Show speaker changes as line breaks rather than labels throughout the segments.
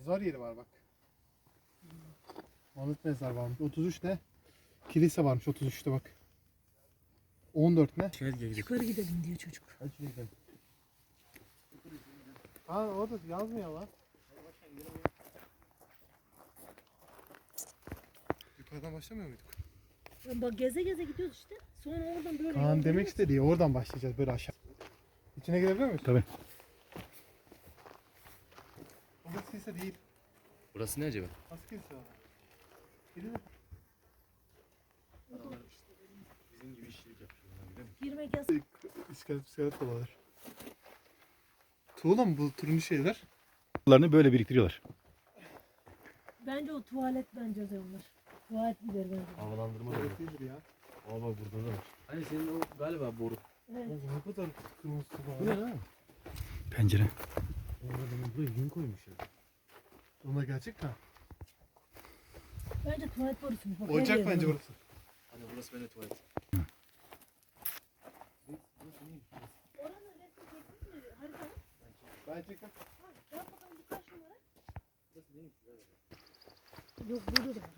Mezar yeri var bak. Anıt mezar varmış. 33 ne? Kilise varmış 33'te bak. 14 ne?
Yukarı gidelim diyor çocuk.
Hadi şuraya gidelim.
Ha orada yazmıyor lan. Yukarıdan başlamıyor muyduk?
Bak geze geze gidiyoruz işte. Sonra oradan böyle.
Kaan
yol
demek
dönüyoruz.
istediği oradan başlayacağız böyle aşağı. İçine girebiliyor muyuz?
Tabii.
Burası kilise değil.
Burası ne acaba?
Nasıl kilise var? Gidelim.
Bizim gibi işçilik yapıyorlar.
Girmek yasak.
İskelet dolanır. Tuğla mı bu turuncu şeyler?
Bunlarını böyle biriktiriyorlar.
Bence o tuvalet bence onlar. Tuvalet gider bence.
Havalandırma da
Evet değildir ya.
Aa bak burada da var. Hani senin o galiba boru.
Evet.
Oğlum ne kadar kırmızı tuğla
Bu
var.
ne lan?
Pencere.
Orada buraya yün koymuş ya.
Onlar gerçek mi?
Bence tuvalet borusu. Bak, her
Oyuncak
yer
bence
var.
burası.
Hani burası benim tuvalet.
Oranın resmi çekmiş mi? Harita.
Ben çektim.
Yap bakalım bu kaç numara? Yok burada da var.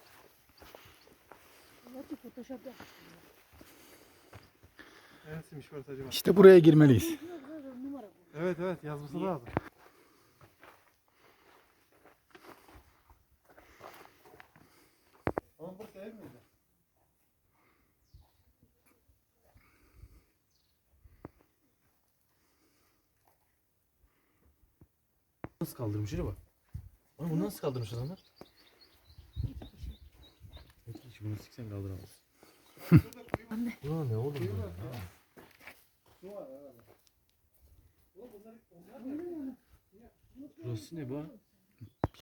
Belki Photoshop yapmış.
Neresiymiş burası acaba?
İşte buraya girmeliyiz.
Yok, numara bu.
Evet evet yazması lazım. Ama burası ev miydi?
Nasıl kaldırmış acaba? Oğlum bunu nasıl kaldırmış adamlar? İki kişi bunu siksen kaldıramaz.
Anne.
Ulan ne oğlum bu ya?
Su var herhalde.
Burası ne bu?